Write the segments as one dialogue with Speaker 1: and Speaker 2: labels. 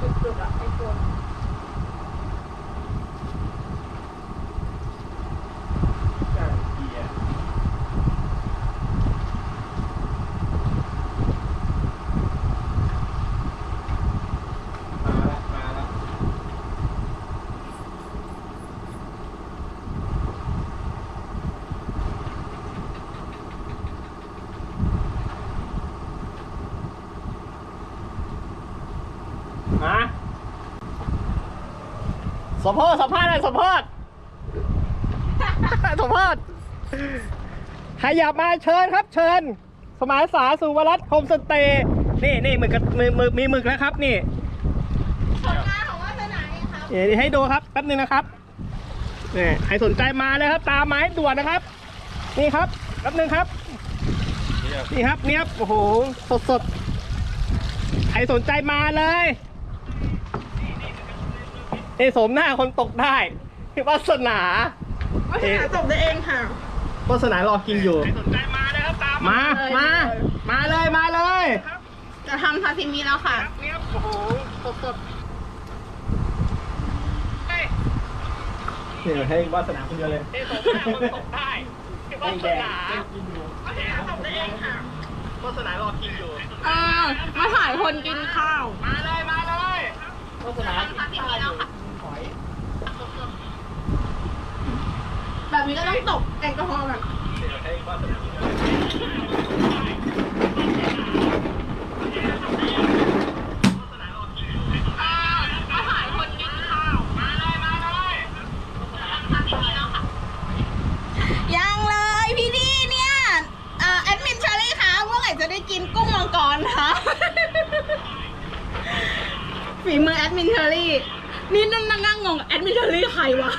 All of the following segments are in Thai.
Speaker 1: จุดๆอะไอ้คน
Speaker 2: มาสมโพธิสัมภาษณ์เลยสมโพธิสมโพธิใครอยากมาเชิญครับเชิญสมานสาสุวรัตน์โฮมสเตย์นี่หมึกมีหมึกแล้วครับนี่
Speaker 1: ผลงานของวาสนาเองครับ
Speaker 2: นี่ให้ดูครับแป๊บนึงนะครับนี่ใครสนใจมาเลยครับตามมาให้ด่วนนะครับนี่ครับแป๊บนึงครับนี่ครับเนี่ยโอ้โหสดใครสนใจมาเลยนี่สมหน้าคนตกได้วาสนาว
Speaker 1: าสนาจบได้เองค่ะ
Speaker 2: วาสนารอกินอยู่สนใจมาเลยครับตามมาเลย
Speaker 1: จะทำซาซิมิแล้วค่ะ
Speaker 2: เนี่ยโอ้โหสดนี่ให้วาสนาคนเดียวเลยนี่สมหน้าคนตกได้วาสนาว
Speaker 1: าสนาจบได้เองค่ะ
Speaker 2: วาสนารอกินอยู่
Speaker 1: มาถ่ายคนกินข้าว
Speaker 2: มาเลยวาสนากินข้าวอยู่หอย
Speaker 1: แบบนี้ก็ต้องตกแอลกอฮอล์แบบ
Speaker 2: ให้วาสนา
Speaker 1: มาถ่ายคนกินข้าว
Speaker 2: มาเลย
Speaker 1: ยังเลยพี่ดีเนี่ยแอดมินเชอรี่คะเมื่อไหร่จะได้กินกุ้งมังกรคะ ฝีมือแอดมินเชอรี่นี่นั่งงงแอดมินเชอรี่ใครวะ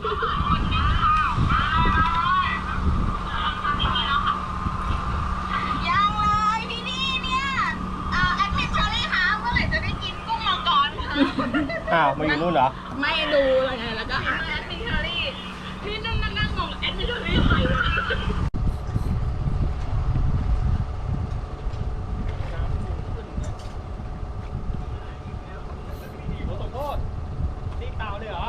Speaker 1: ยังเลยพี่ดีเนี่ยแอดมินเชอรี่คะเมื่อไหร่จะได้กินกุ้งมังกรคะ
Speaker 2: อ้าวมาอยู่นู่นเหรอ
Speaker 1: ไม่ดูอะไรไงแล้วก็แอดมินเชอรี่นี่นั่งงงแอดมินเชอรี่ใครวะ
Speaker 2: โอ้สมโพธิตีเต่าเลยเหรอ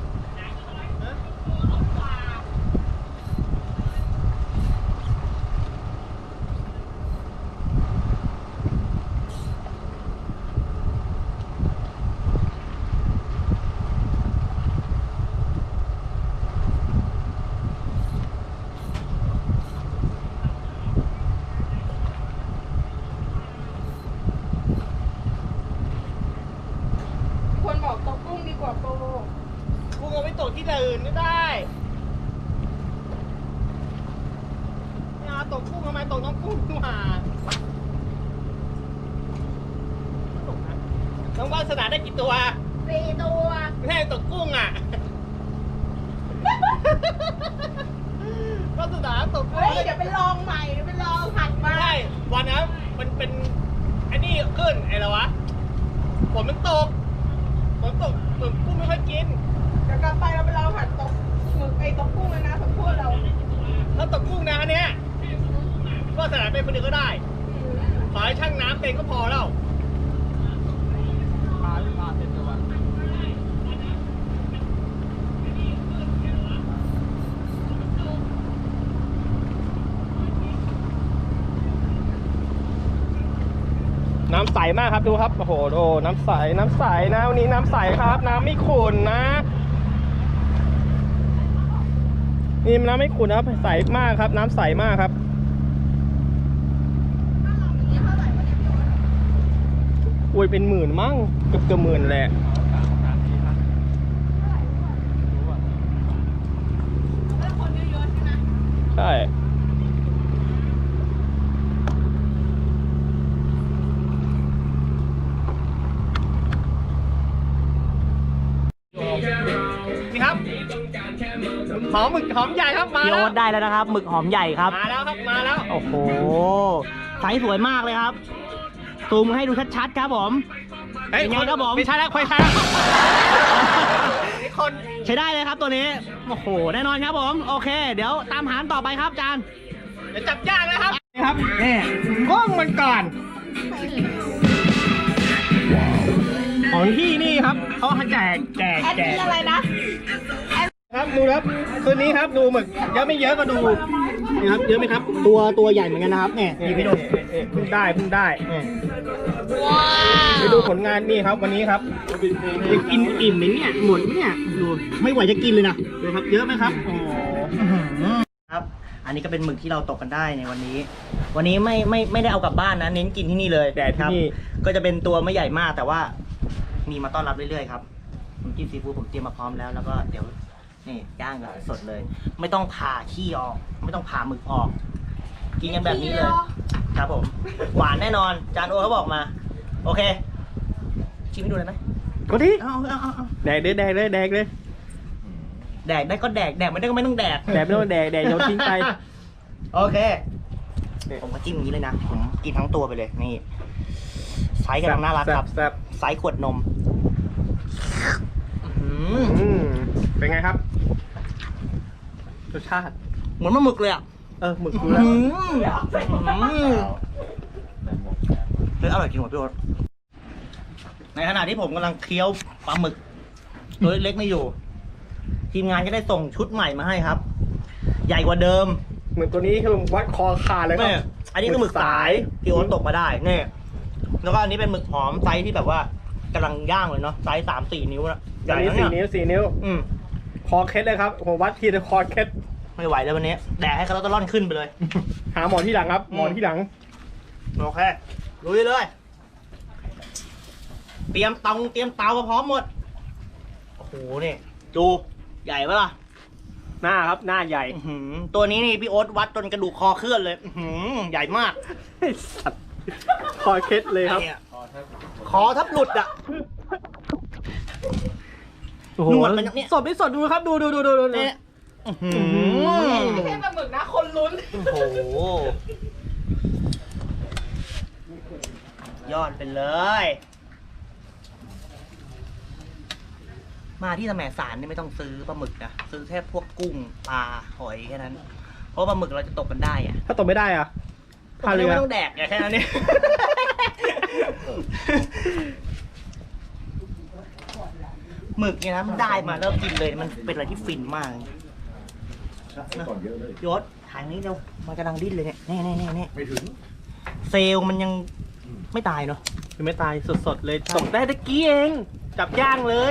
Speaker 1: คนบอกตกกุ้งดีกว่าโป
Speaker 2: กูเอาไปตกที่อื่นก็ได้ไม่เอาตกกุ้งทำไมตกน้องกุ้งดีกว่าตกนะน้องวาสนาได้กี่ตัว
Speaker 1: 4 ตัว
Speaker 2: ไม่ใช่ตกกุ้งอ่ะ วาสนาตกกุ้ง
Speaker 1: เฮ้ยเดี๋ยวไปลองใหม่เดี๋ยวไปลองผัด
Speaker 2: ไม่
Speaker 1: มา
Speaker 2: ใช่วันนั้นมันเป็นไอ้นี่ขึ้นไอ้อะไรวะฝนมันตกเหมือนกุ้งไม่ค่อยกิน
Speaker 1: เดี๋ยวกลับไปเราไปลองผัดตกหมึกไอ้ตกกุ้งเลยนะสมพูดเรา
Speaker 2: ถ้าตกกุ้งนะอันเนี้ยก็สนานเป็นคนเดียวก็ได้ ขอให้ช่างน้ำเป็นก็พอแล้วปลาเป็นตัวน้ำใสมากครับดูครับโอ้โหดูน้ำใสนะวันนี้น้ำใสครับ น้ำไม่ขุ่นนะนี่น้ำไม่ขุ่นนะครับใสมากครับ น้ำใสมากครับอุ้ยเป็นหมื่นมั้งเกือบหมื่นแหละใช่นี่ครับหมึกหอมใหญ่ครับมา
Speaker 3: พี่
Speaker 2: แล้
Speaker 3: โอ๊
Speaker 2: ว
Speaker 3: ตได้แล้วนะครับหมึกหอมใหญ่ครับ
Speaker 2: มาแล้วครับมาแล้ว
Speaker 3: โอ้โหไซส์สวยมากเลยครับซูมให้ดูชัดๆครับผม
Speaker 2: เฮ้ย
Speaker 3: เป็นไงครับผม
Speaker 2: ไม่ใช่แล้วไม่ใช่แล้วนี่คน
Speaker 3: ใช้ได้เลยครับตัวนี้โอ้โหแน่นอนครับผมโอเค เดี๋ยวตามหาต่อไปครับอาจารย์
Speaker 2: เดี๋ยวจับยากนะครับนี่ครับนี่ก้องมันก่อนของที่
Speaker 3: เขาให้แจก
Speaker 1: แอดมินอะไรนะ
Speaker 2: ครับดูครับคืนนี้ครับดูหมึกเยอะไม่เยอะก็ดูนี่ครับเยอะไหมครับ
Speaker 3: ตัวใหญ่เหมือนกันนะครับเนี่ยนี่พี่ดู
Speaker 2: เพิ่งได้
Speaker 3: เนี่ย
Speaker 2: ไปดูผลงานนี่ครับ วันนี้ครับ
Speaker 3: จะกินอิ่มไหมเนี่ยหมดไหมเนี่ยดูไม่ไหวจะกินเลยนะ
Speaker 2: ดูครับเยอะไหมครับโอ้
Speaker 3: ครับ อันนี้ก็เป็นหมึกที่เราตกกันได้ในวันนี้ วันนี้ไม่ได้เอากลับบ้านนะ เน้นกินที่นี่เลย
Speaker 2: แดด
Speaker 3: ค
Speaker 2: ที่
Speaker 3: รับ
Speaker 2: นี่
Speaker 3: ก็จะเป็นตัวไม่ใหญ่มากแต่ว่ามีมาต้อนรับเรื่อยๆครับน้ำจิ้มซีฟู้ดผมเตรียมมาพร้อมแล้วแล้วก็เดี๋ยวนี่ย่างกันสดเลย ไม่ต้องผ่าขี้ออก ไม่ต้องผ่าหมึกออก กินกันแบบนี้เลย ครับผม หวานแน่นอนจานโอเขาบอกมา โอเค ชิมให้ดูเลยไหม
Speaker 2: ก็ดี
Speaker 3: เอา
Speaker 2: แดกเลยแดกเลยแดกเลย
Speaker 3: แดกได้ก็แดกไม่ได้ก็ไม่ต้องแดก
Speaker 2: แดกไม่ต้องแดกโยนทิ้งไป
Speaker 3: โอเค ผมก็จิ้มอย่างนี้เลยนะ ผมกินทั้งตัวไปเลย นี่ไซส์กำลังน่ารักครับ
Speaker 2: แซ่บ
Speaker 3: ไซส์ขวดนมอื้อ
Speaker 2: ๆ
Speaker 3: หือ
Speaker 2: เป็นไงครับรสชาติ
Speaker 3: เหมือนปลาหมึกเลยอ่ะ
Speaker 2: หมึกดู
Speaker 3: อื้อ
Speaker 2: แล้ว
Speaker 3: หือเฮ้ยอร่อยจริงว่ะพี่โอ๊ตในขณะที่ผมกำลังเคี้ยวปลาหมึกตัวเล็กๆนี่อยู่ ทีมงานจะได้ส่งชุดใหม่มาให้ครับ ใหญ่กว่าเดิม
Speaker 2: เหมือนตัวนี้คือวัดคอขาดเลยครั
Speaker 3: นี่อันนี้คือหมึกสายที่โอ๊ตตกมาได้นี่แล้วก็อันนี้เป็นหมึกหอมไซส์ที่แบบว่ากำลังย่างเลยเนาะไซส์3-4 นิ้วนะให
Speaker 2: อั
Speaker 3: ญ่
Speaker 2: นนี้
Speaker 3: นะ
Speaker 2: 4
Speaker 3: เนี่ย
Speaker 2: นิ้ว4 นิ้ว
Speaker 3: อืม
Speaker 2: คอเคสเลยครับผมวัดทีละคอเคส
Speaker 3: ไม่ไหวแล้ววันนี้แดกให้เขาต้องร่อนขึ้นไปเลย
Speaker 2: หาหมอที่หลังครับหมอที่หลัง
Speaker 3: โอเคลุยเลย เตรียมเตาก็พร้อมหมด โอ้โหนี่ดูใหญ่ปะล่ะ
Speaker 2: หน้าครับหน้าใหญ่
Speaker 3: อื้อหือตัวนี้นี่พี่โอ๊ตวัดจนกระดูกคอเคลื่อนเลยอื้อหือใหญ่มาก
Speaker 2: ไอ้สัตว์คอเคสเลยครับ
Speaker 3: เนี่ยคอทับหลุดอ่ะ
Speaker 2: โอ้โห
Speaker 3: หนวดมันเนี่ย
Speaker 2: สดไม่สดดูครับดู
Speaker 3: เนี่ยอื้อหือ
Speaker 1: ไม่ใช่ปลาหมึกนะ คนลุ้น
Speaker 3: โอ้โหยอดไปเลย มาที่แสมสารนี่ไม่ต้องซื้อปลาหมึกนะซื้อแค่พวกกุ้งปลาหอยแค่นั้น เพราะปลาหมึกเราจะตกกันได้อะ
Speaker 2: ถ้าตกไม่ได้อ่ะ
Speaker 3: ตกไม่ได้ไม่ต้องแดกไงแค่นั้นเนี่ย หมึกเนี่ยนะมันได้มาแล้วกินเลยมันเป็นอะไรที่ฟินมากนะยศถ่ายนี้เร็วมันกำลังดิ้นเลยเนี่ยแน่ไม่ถึงเซลล์มันยังไม่ตายเนาะ
Speaker 2: คือไม่ตายสดๆเลยตกได้ตะกี้เองจับย่างเลย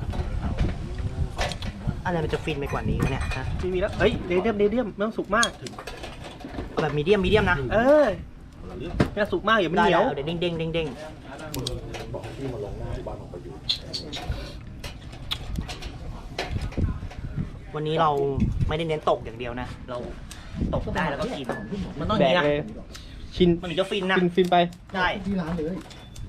Speaker 3: อะไรมันจะฟินไปกว่านี้วะเนี่ยฮะ
Speaker 2: ทีมีแล้วเฮ้ยเดเดียมไม่ต้องสุกมาก
Speaker 3: เอาแบบมีเดียมนะ
Speaker 2: ไม่ต้องสุกมากอย่ามัน
Speaker 3: ได้
Speaker 2: เหนียว
Speaker 3: เดี๋ยวเด้งวันนี้เราไม่ได้เน้นตกอย่างเดียวนะ เราตกได้แล้วก็กิน มันต้องอ
Speaker 2: แด
Speaker 3: ย่าง
Speaker 2: ก
Speaker 3: นี้
Speaker 2: เลย
Speaker 3: นะ
Speaker 2: ชิน
Speaker 3: มันถึงจะฟินนะ
Speaker 2: ฟินไป
Speaker 3: ใช่
Speaker 4: ที่ร้านเลย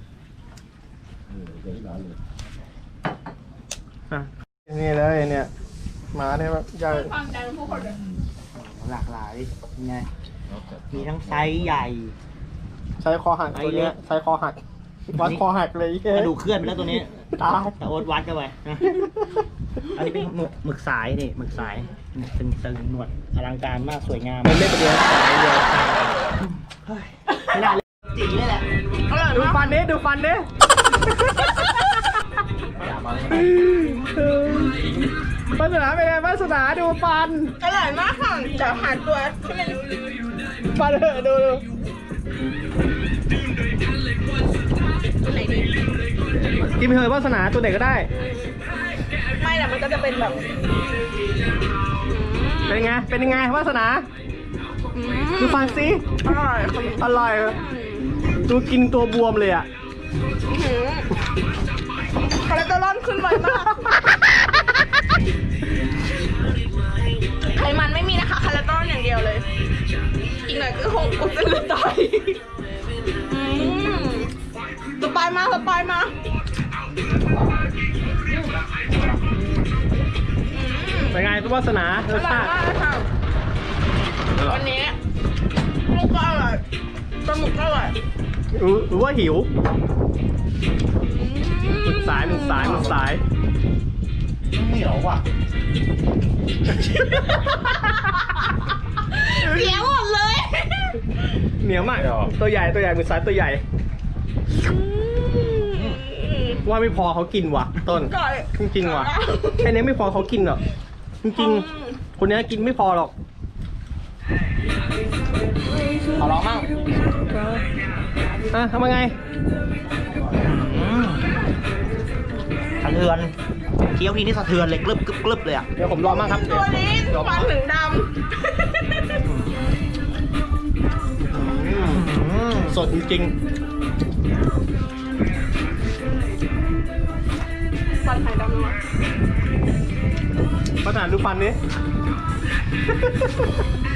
Speaker 4: ที่ร้านเลย
Speaker 2: อ่ะนี่เลยเนี่ยมาเนี่ยแบบใหญ่
Speaker 1: ฟังใจผู้คนเลย
Speaker 3: หลากหลายไงมีทั้งไซส์ใหญ่
Speaker 2: ใช้คอหักตัวเนี้ยใช้คอหักวัดคอหักเลย
Speaker 3: กระดูกเคลื่อนไปแล้วตัวนี้
Speaker 2: ตาย
Speaker 3: แต่โอ๊ตวัดกันไปนะ อันนี้เป็นหมึกสายนี่หมึกสายนี่เป็นสลิงหนวดอลังการมากสวยงาม
Speaker 2: มันเล่นไปเดียวสายเดียว
Speaker 3: ไม่ได้เลยจีนี่แหละ
Speaker 2: ดูฟันดูฟันดิวาสนาเป็นไงวาสนาดูฟัน
Speaker 1: อร่อยมากค่ะเดี๋ยวหาตัวที่มัน
Speaker 2: ฟันเถอะดู
Speaker 1: ตัวไหนดี
Speaker 2: กินไปเถอะวาสนาตัวไหนก็ได้
Speaker 1: ไม่แต่มันก็จะเป็นแบบ
Speaker 2: เป็นไงเป็นยังไงวาสนาดูฟันสิ
Speaker 1: อร่อย
Speaker 2: อร่อยดูกินตัวบวมเลยอ่ะ
Speaker 1: คอเลสเตอรอลขึ้นไวมากไขมันไม่มีนะคะคอเลสเตอรอลอย่างเดียวเลย อีกหน่อยก็คงอุดเส้นเลือดตายสปายมา
Speaker 2: เป็นไงตัววาสนา
Speaker 1: อ
Speaker 2: รส
Speaker 1: ร่อย
Speaker 2: ชาติ
Speaker 1: มากเลยค่ะวันนี้ลูกก็อร่อยปลาหมึกก็อร่อย
Speaker 2: หรือว่าหิวหมึกสาย
Speaker 3: เหนียวว่ะ
Speaker 1: เสียหมดเลย
Speaker 2: เหนียวมากตัวใหญ่หมึกสายตัวใหญ่ว่าไม่พอเขากินว่ะต้น
Speaker 1: ก่อย
Speaker 2: จริงๆว่ะแค่นี้ไม่พอเขากินหรอกจริงๆคนนี้กินไม่พอหรอกขอลองมั่งทำไง
Speaker 3: สะเทือนเคี้ยวทีนี่สะเทือนเลยกรึบกรึบกรึบเลยอ่ะ
Speaker 2: เดี๋ยวผมลองมั่งครับ
Speaker 1: ตัวนี้ฟันถึงด
Speaker 2: สดจริง
Speaker 1: ำฟันหายดำวะ
Speaker 2: ๆประธานดูฟันนี้